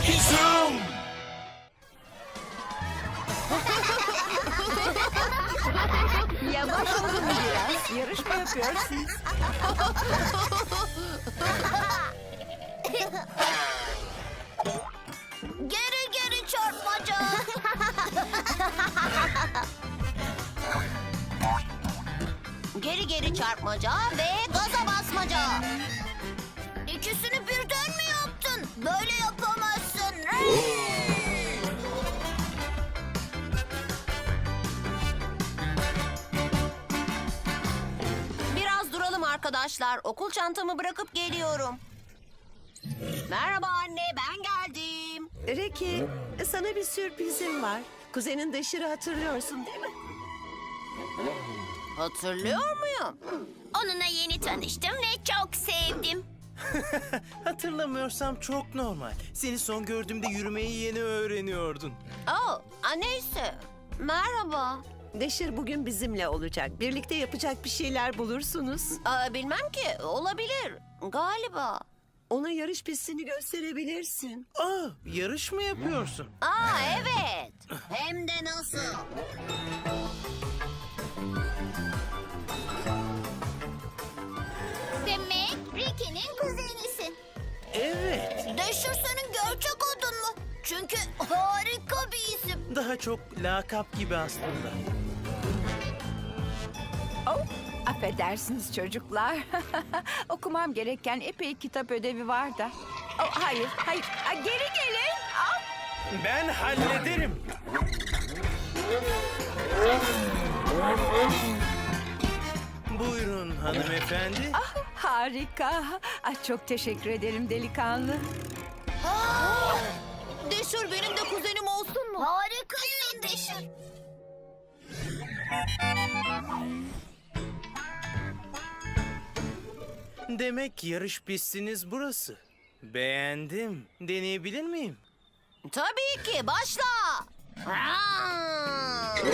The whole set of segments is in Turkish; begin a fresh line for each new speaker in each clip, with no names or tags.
Ricky Zoom.
Yavaş olun biraz. Yarışma yapıyorsunuz.
Geri geri çarpmaca. Geri geri çarpmaca ve gaza basmaca. İkisini birden mi yaptın? Böyle yapamazsın. Biraz duralım arkadaşlar. Okul çantamı bırakıp geliyorum. Merhaba anne, ben geldim.
Ricky, sana bir sürprizim var. Kuzenin Deşir'i hatırlıyorsun değil mi?
Hatırlıyor muyum? Onunla yeni tanıştım ve çok sevdim.
Hatırlamıyorsam çok normal. Seni son gördüğümde yürümeyi yeni öğreniyordun.
Oh, neyse. Merhaba.
Deşir bugün bizimle olacak. Birlikte yapacak bir şeyler bulursunuz.
Bilmem ki, olabilir. Galiba.
Ona yarış pistini gösterebilirsin.
Yarış mı yapıyorsun?
Evet. Hem de nasıl? Demek Ricky'nin kuzenisin.
Evet.
Deşir senin gerçek adın mı? Çünkü harika bir isim.
Daha çok lakap gibi aslında.
Oh, affedersiniz çocuklar. Okumam gereken epey kitap ödevi var da. Oh, hayır, hayır. Geri gelin. Ah,
Ben hallederim. Buyurun hanımefendi.
harika. Çok teşekkür ederim delikanlı.
Deşir benim de kuzenim olsun mu? Harikasın Deşir.
Demek yarış pistiniz burası. Beğendim. Deneyebilir miyim?
Tabii ki başla. Hadi.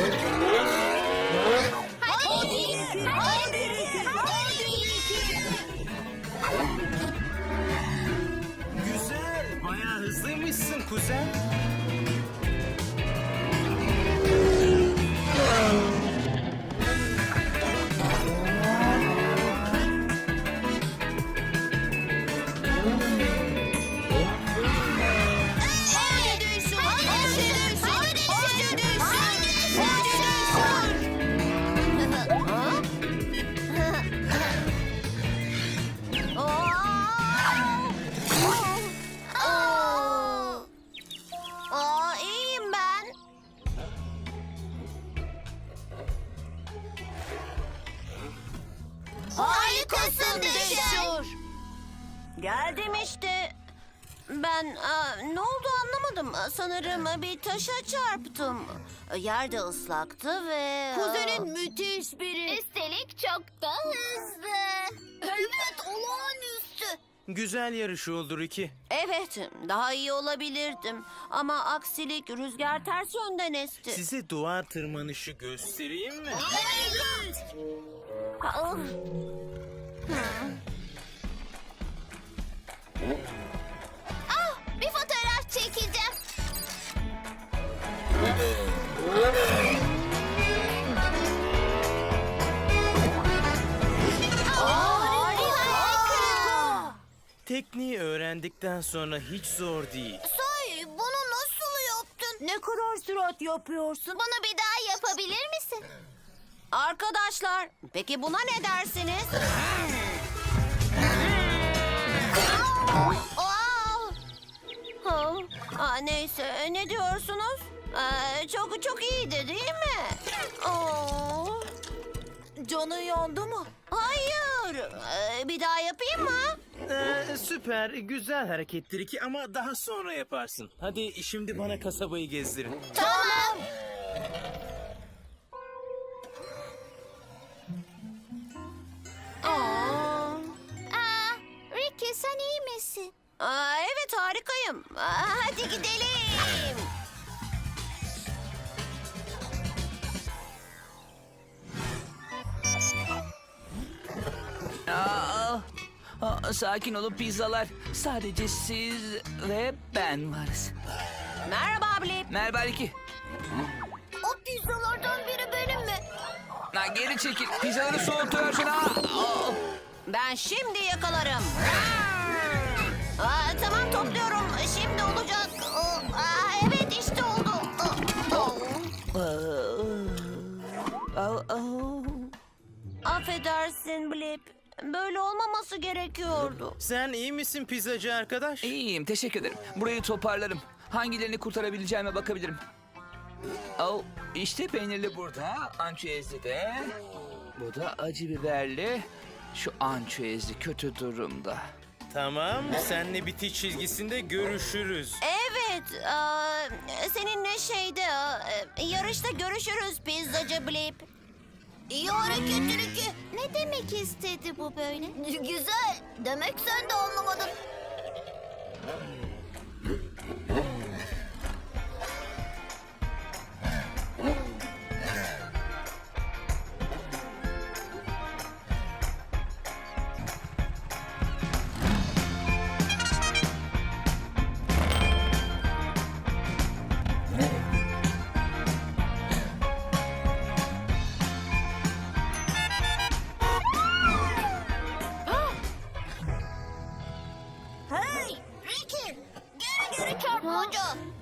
Güzel. Bayağı hızlıymışsın kuzen.
Hadi Deşir. Hadi Deşir. Hadi Deşir. İyiyim ben. Harikasın Deşir. Geldim işte. Ben ne oldu anlamadım. Sanırım bir taşa çarptım. Yerde ıslaktı ve... Kuzenin müthiş biri. Üstelik çok da hızlı. Evet, olağanüstü.
Güzel yarış oldu Ricky.
Evet, daha iyi olabilirdim. Ama aksilik rüzgar ters yönden esti.
Size duvar tırmanışı göstereyim mi?
Evet. Bir fotoğraf çekeceğim. Harika.
Tekniği öğrendikten sonra hiç zor değil.
Sahi bunu nasıl yaptın? Ne kadar sürat yapıyorsun? Bunu bir daha yapabilir misin? Arkadaşlar, peki buna ne dersiniz? Neyse, ne diyorsunuz? Çok iyiydi değil mi? Canı yandı mı? Hayır. Bir daha yapayım mı?
Süper, güzel harekettir Ricky ama daha sonra yaparsın. Hadi şimdi bana kasabayı gezdirin.
Tamam. Ricky sen iyi misin? Evet harikayım. Hadi gidelim.
Sakin olun pizzalar. Sadece siz ve ben varız.
Merhaba Blip.
Merhaba Ricky.
O pizzalardan biri benim mi?
Ha, geri çekil. Pizzaları soğutuyorsun ha.
Ben şimdi yakalarım. Tamam topluyorum. Şimdi olacak. Evet işte oldu. Affedersin Blip. Böyle olmaması gerekiyordu.
Sen iyi misin pizzacı arkadaş?
İyiyim, teşekkür ederim. Burayı toparlarım. Hangilerini kurtarabileceğime bakabilirim. İşte peynirli burada, ançüezli de. Bu da acı biberli. Şu ançüezli kötü durumda.
Tamam, senle bitiş çizgisinde görüşürüz.
Evet. Seninle yarışta görüşürüz pizzacı Blip. İyi hareket Ricky. Ne demek istedi bu böyle? Güzel. Demek sen de anlamadın. Hey Ricky! Geri çarpmaca.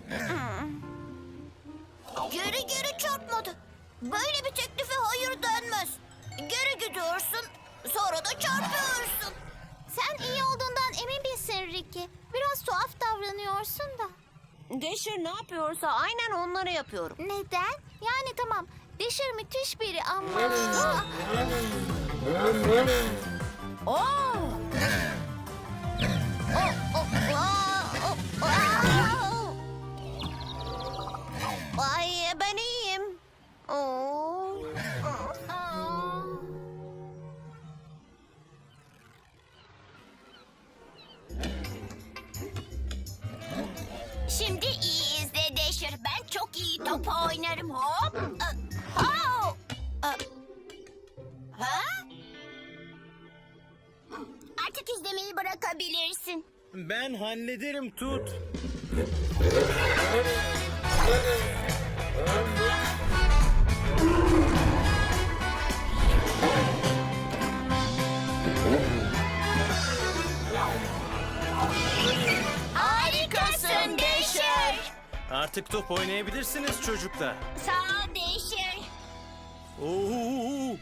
Geri çarpmadı. Böyle bir teklife hayır denmez. Geri gidiyorsun, sonra da çarpıyorsun. Sen iyi olduğundan emin misin Ricky? Biraz tuhaf davranıyorsun da. Dasher ne yapıyorsa aynen onları yapıyorum. Neden? Yani tamam, Dasher müthiş biri ama... Ay ben iyiyim. Şimdi iyi izle Dasher. Ben çok iyi top oynarım. Hop. Ha? Artık izlemeyi bırakabilirsin.
Ben hallederim tut.
Harikasın Dasher.
Artık top oynayabilirsiniz çocuklar.
Sağ ol Dasher.
Oo.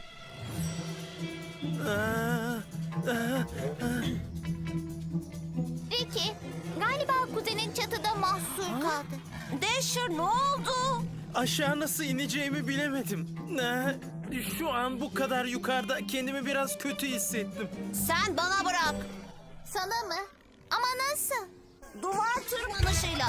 Ricky, galiba kuzenin çatıda mahsur kaldı. Dasher ne oldu?
Aşağı nasıl ineceğimi bilemedim. Şu an bu kadar yukarıda kendimi biraz kötü hissettim.
Sen bana bırak. Sana mı? Ama nasıl? Duvar tırmanışıyla.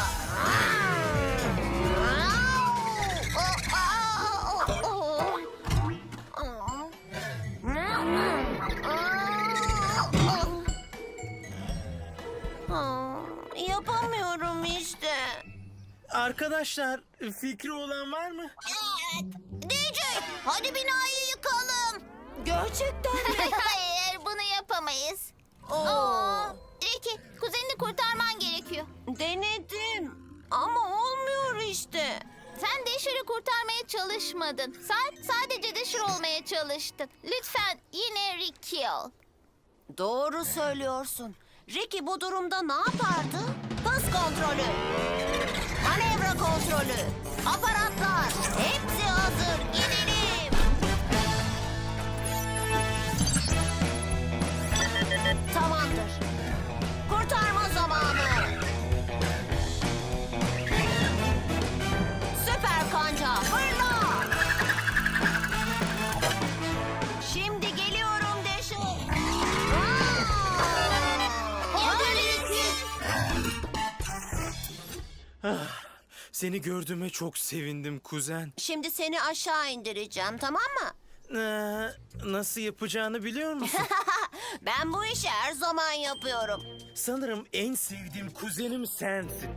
Yapamıyorum işte.
Arkadaşlar, fikri olan var mı?
Evet. DJ, hadi binayı yıkalım. Gerçekten mi? Hayır, bunu yapamayız. Ricky, kuzenini kurtarman gerekiyor. Denedim ama olmuyor işte. Sen Dasher'ı kurtarmaya çalışmadın. Sen sadece Dasher olmaya çalıştın. Lütfen yine Ricky ol. Doğru söylüyorsun. Ricky bu durumda ne yapardı? Hız kontrolü, manevra kontrolü, aparatlar hepsi hazır. Gidelim. Tamamdır. Kurtarma zamanı. Süper kanca fırla. Şimdi geliyorum Dasher.
Seni gördüğüme çok sevindim kuzen.
Şimdi seni aşağı indireceğim, tamam mı?
Nasıl yapacağını biliyor musun?
Ben bu işi her zaman yapıyorum.
Sanırım en sevdiğim kuzenim sensin.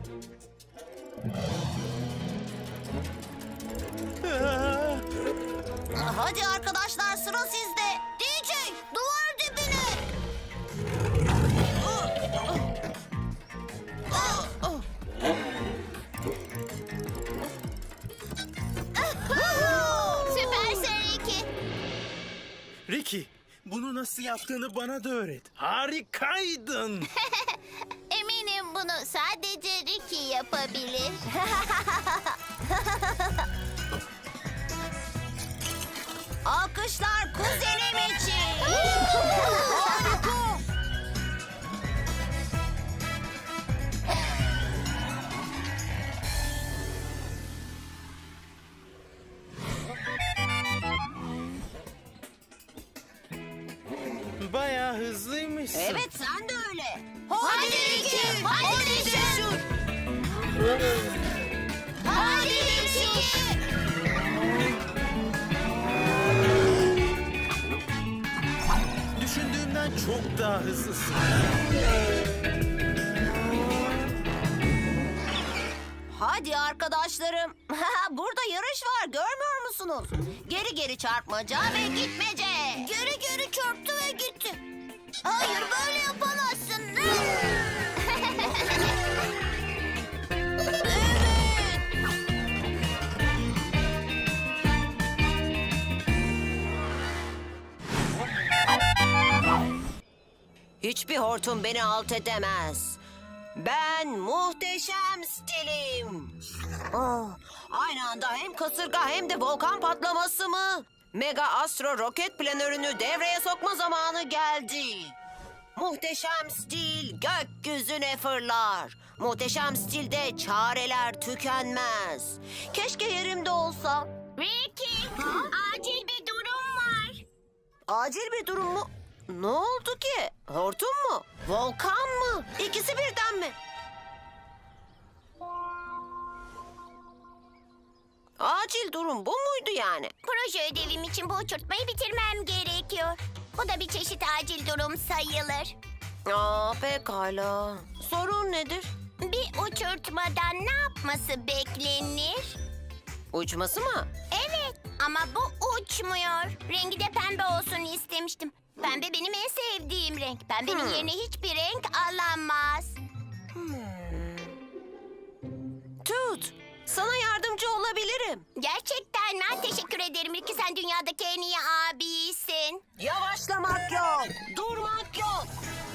Hadi arkadaşlar, sıra sizde. DJ, duvar dibine.
Bunu nasıl yaptığını bana da öğret. Harikaydın.
Eminim bunu sadece Ricky yapabilir.
Alkışlar kuzenim için.
Bayağı hızlıymışsın.
Evet, sen de öyle.
Hadi Ricky, hadi Ricky. Hadi Ricky.
Düşündüğümden çok daha hızlısın.
Hadi arkadaşlarım. Burada yarış var, görmüyor musunuz? Geri geri çarpmaca ve gitmece.
Geri geri çarptı ve gitti. Hayır, böyle yapamazsın.
Hiçbir hortum beni alt edemez. Ben muhteşem stilim. Oh, aynı anda hem kasırga hem de volkan patlaması mı? Mega Astro roket planörünü devreye sokma zamanı geldi. Muhteşem stil gökyüzüne fırlar. Muhteşem stilde çareler tükenmez. Keşke yerimde olsam.
Ricky, acil bir durum var.
Acil bir durum mu? Ne oldu ki? Hortum mu? Volkan mı? İkisi birden mi? Acil durum bu muydu yani?
Proje ödevim için bu uçurtmayı bitirmem gerekiyor. Bu da bir çeşit acil durum sayılır.
Aa, pekala. Sorun nedir?
Bir uçurtmadan ne yapması beklenir?
Uçması mı?
Evet, ama bu uçmuyor. Rengi de pembe olsun istemiştim. Pembe benim en sevdiğim renk. Pembenin yerine hiçbir renk alamaz.
Tut. Sana yardımcı olabilirim.
Gerçekten mi? Teşekkür ederim Ricky. Sen dünyadaki en iyi abisin.
Yavaşlamak yok. Durmak yok.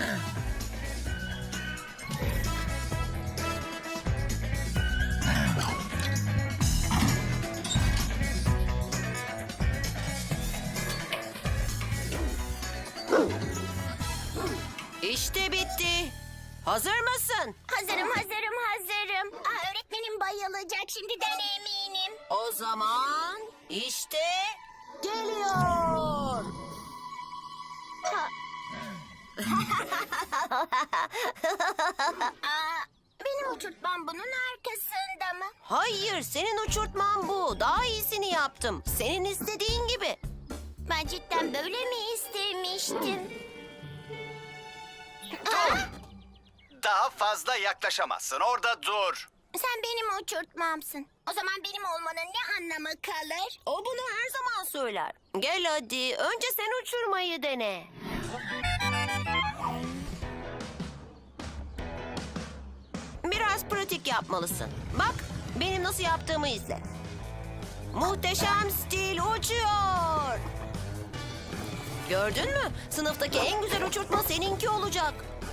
İşte bitti. Hazır mısın?
Hazırım. Öğretmenim bayılacak, şimdiden eminim.
O zaman işte geliyor.
Benim uçurtmam bunun arkasında mı?
Hayır, senin uçurtman bu. Daha iyisini yaptım. Senin istediğin gibi.
Ben cidden böyle mi istemiştim?
Daha fazla yaklaşamazsın. Orada dur.
Sen benim uçurtmamsın. O zaman benim olmanın ne anlamı kalır?
O bunu her zaman söyler. Gel hadi, önce sen uçurmayı dene. Biraz pratik yapmalısın. Bak, benim nasıl yaptığımı izle. Muhteşem stil uçuyor. Gördün mü? Sınıftaki en güzel uçurtma seninki olacak.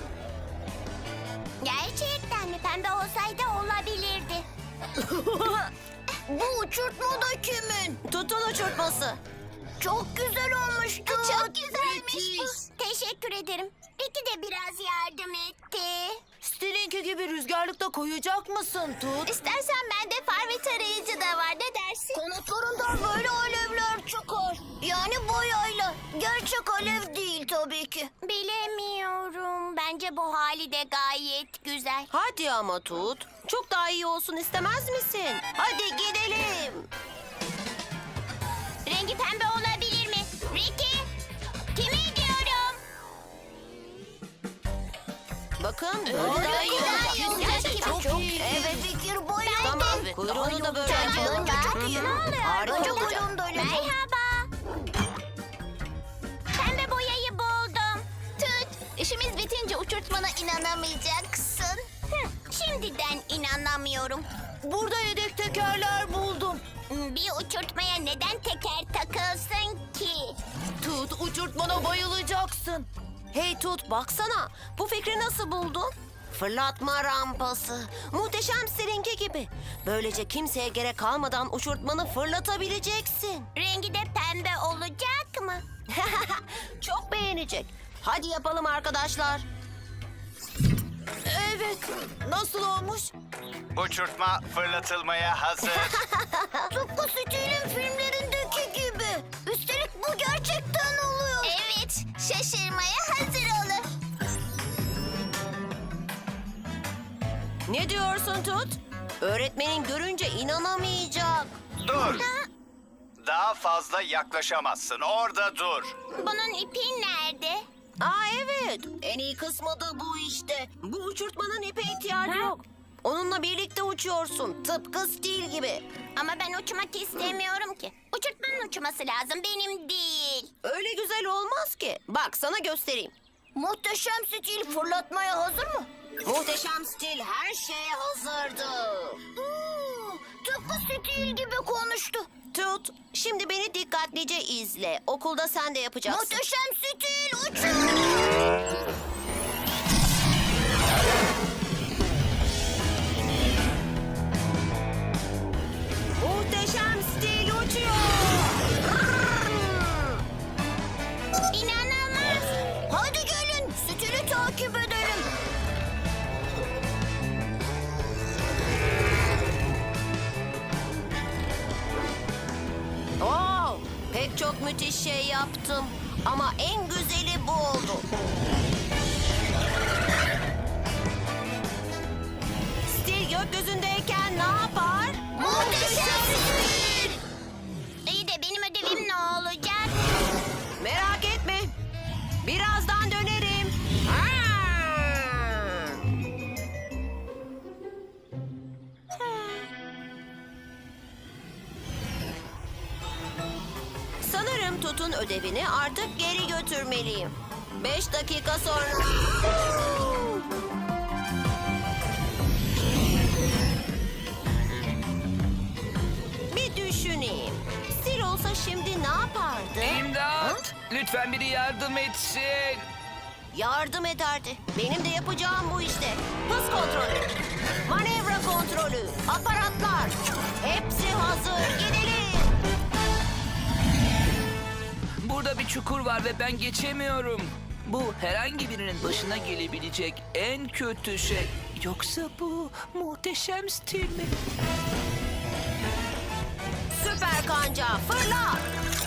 Gerçekten mi? Pembe olsaydı olabilirdi. Bu uçurtma da kimin?
Tutun uçurtması.
Çok güzel olmuş Tut. Çok güzelmiş bu. Teşekkür ederim. Ricky de biraz yardım etti.
Stilinki gibi rüzgarlıkta koyacak mısın Tut?
İstersen bende far ve tarayıcı da var. Ne dersin? Kanatlarından böyle alevler çıkar. Yani boyayla. Gerçek alev değil tabii ki. Bilemiyorum. Bence bu hali de gayet güzel.
Hadi ama Tut. Çok daha iyi olsun istemez misin? Hadi gidelim.
Rengi pembe olabilir mi? Ricky! Kime diyorum?
Bakın böyle daha iyi olacak.
Gerçekten çok iyi.
Evet.
Fikir boyunca.
Tamam, kuyruğunu da böyle yapalım.
Çok iyi. Ne oluyor?
Harika
Önce
olacak.
kuyruğum da öyle. Merhaba. Pembe boyayı buldum. Tut. İşimiz bitince uçurtmana inanamayacaksın. Şimdiden inanamıyorum.
Burada yedek tekerler buldum.
Bir uçurtmaya neden teker takılsın ki?
Tut, Tut, uçurtmana bayılacaksın. Hey Tut, baksana. Bu fikri nasıl buldun? Fırlatma rampası. Muhteşem Stil'inki gibi. Böylece kimseye gerek kalmadan uçurtmanı fırlatabileceksin.
Rengi de pembe olacak mı?
Çok beğenecek. Hadi yapalım arkadaşlar. Evet. Nasıl olmuş?
Uçurtma fırlatılmaya hazır.
Tıpkı Steel'in filmlerindeki gibi. Üstelik bu gerçekten oluyor. Evet, şaşırmaya hazır olun.
Ne diyorsun Tut? Öğretmenin görünce inanamayacak.
Dur. Daha fazla yaklaşamazsın. Orada dur.
Bunun ipi nerede?
Aa evet. En iyi kısmı da bu işte. Bu uçurtmanın ipe ihtiyacı yok. Onunla birlikte uçuyorsun. Tıpkı Steel gibi.
Ama ben uçmak istemiyorum ki. Uçurtmanın uçması lazım, benim değil.
Öyle güzel olmaz ki. Bak sana göstereyim.
Muhteşem Steel fırlatmaya hazır mı?
Muhteşem Steel her şeye hazırdı.
Tıpkı Steel gibi konuştu.
Tut, şimdi beni dikkatlice izle. Okulda sen de yapacaksın.
Muhteşem Steel uçuyor.
Muhteşem Steel uçuyor.
İnanılmaz. Hadi gelin, Steel'i takip edelim.
Oo, pek çok müthiş şey yaptım. Ama en güzeli bu oldu. Steel gökyüzündeyken ne yapar?
Muhteşem Steel. İyi de benim ödevim ne olacak?
Merak etme. Birazdan dönerim. Sanırım Tut'un ödevini artık geri götürmeliyim. 5 dakika sonra. Bir düşüneyim. Sil olsa şimdi ne yapardı?
İmdat! Lütfen biri yardım etsin.
Yardım ederdi. Benim de yapacağım bu işte. Hız kontrolü, manevra kontrolü, aparatlar. Hepsi hazır. Gidelim.
Burada bir çukur var ve ben geçemiyorum. Bu herhangi birinin başına gelebilecek en kötü şey. Yoksa bu muhteşem stil mi?
Süper kanca fırla.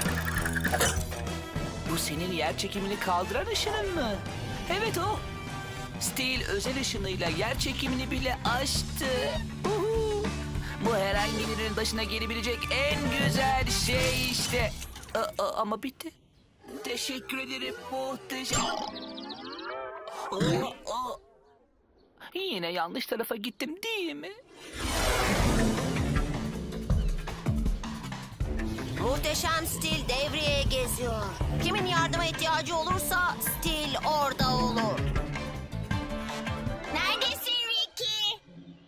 Bu senin yer çekimini kaldıran ışının mı? Evet o. Steel özel ışınıyla yer çekimini bile aştı. Uhu. Bu herhangi birinin başına gelebilecek en güzel şey işte. Ama bitti. Teşekkür ederim muhteşem. Yine yanlış tarafa gittim değil mi?
Muhteşem Steel devreye geziyor. Kimin yardıma ihtiyacı olursa Steel orada olur.
Neredesin Ricky?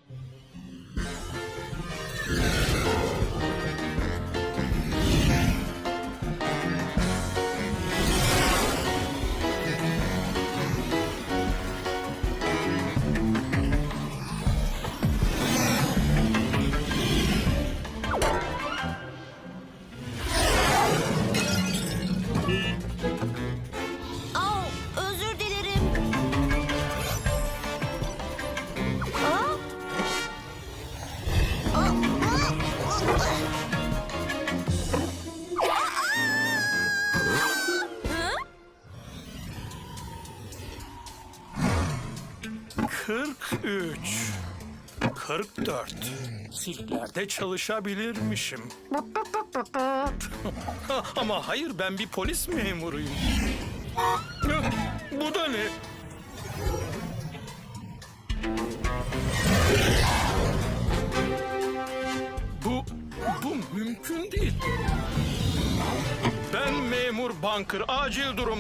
Au, özür dilerim. Aa,
Üç, 44. Zillerde çalışabilirmişim. Ama hayır, ben bir polis memuruyum. Bu da ne? Bu mümkün değil. Ben memur Bunker. Acil durum.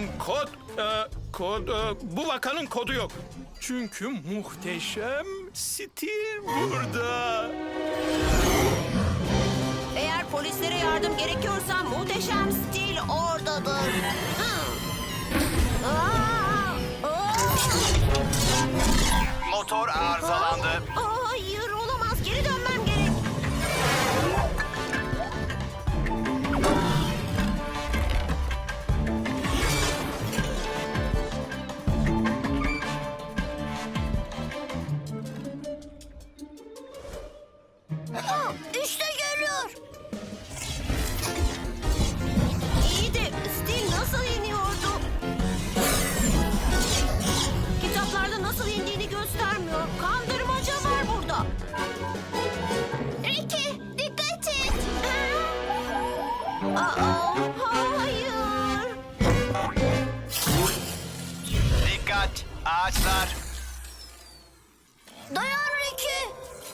Bu vakanın kodu yok. Çünkü muhteşem Steve burada.
eğer polislere yardım gerekiyorsa Muhteşem Steel oradadır.
İşte geliyor.
İyi de Stil nasıl iniyordu? Kitaplarda nasıl indiğini göstermiyor. Kandırmaca var burada.
Ricky, dikkat et.
Aa, hayır.
Dikkat! Ağaçlar!
Dayan Ricky.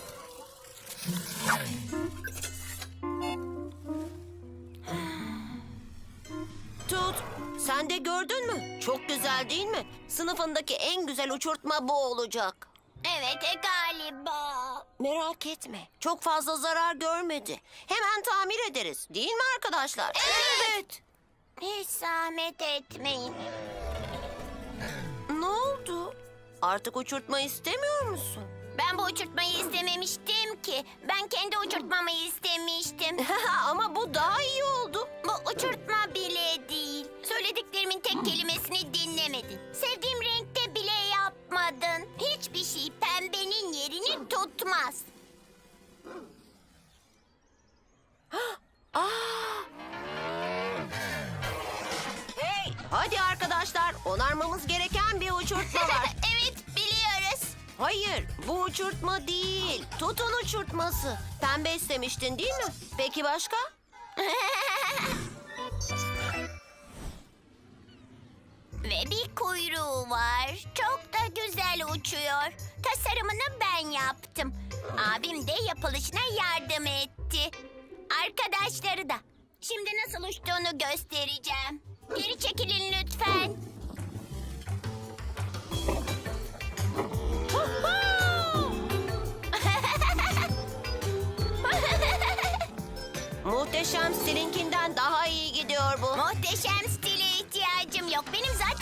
Tut, sen de gördün mü? Çok güzel değil mi? Sınıfındaki en güzel uçurtma bu olacak.
Evet galiba.
Merak etme, çok fazla zarar görmedi. Hemen tamir ederiz, değil mi arkadaşlar?
Evet. Hiç zahmet etmeyin.
Ne oldu? Artık uçurtma istemiyor musun?
Ben bu uçurtmayı istememiştim ki. Ben kendi uçurtmamı istemiştim.
Ama bu daha iyi oldu.
Bu uçurtma bile değil. Söylediklerimin tek kelimesini dinlemedin. Sevdiğim renkte bile yapmadın. Hiçbir şey pembenin yerini tutmaz.
Hey, hadi arkadaşlar, onarmamız gereken bir uçurtma var.
Evet biliyoruz.
Hayır, bu uçurtma değil. Tutun uçurtması. Pembe istemiştin değil mi? Peki başka?
Ve bir kuyruğu var. Çok da güzel uçuyor. Tasarımını ben yaptım. Abim de yapılışına yardım etti. Arkadaşları da. Şimdi nasıl uçtuğunu göstereceğim. Geri çekilin lütfen.
Muhteşem Stil'inkinden daha iyi gidiyor bu.
Muhteşem stile ihtiyacım yok. Benim zaten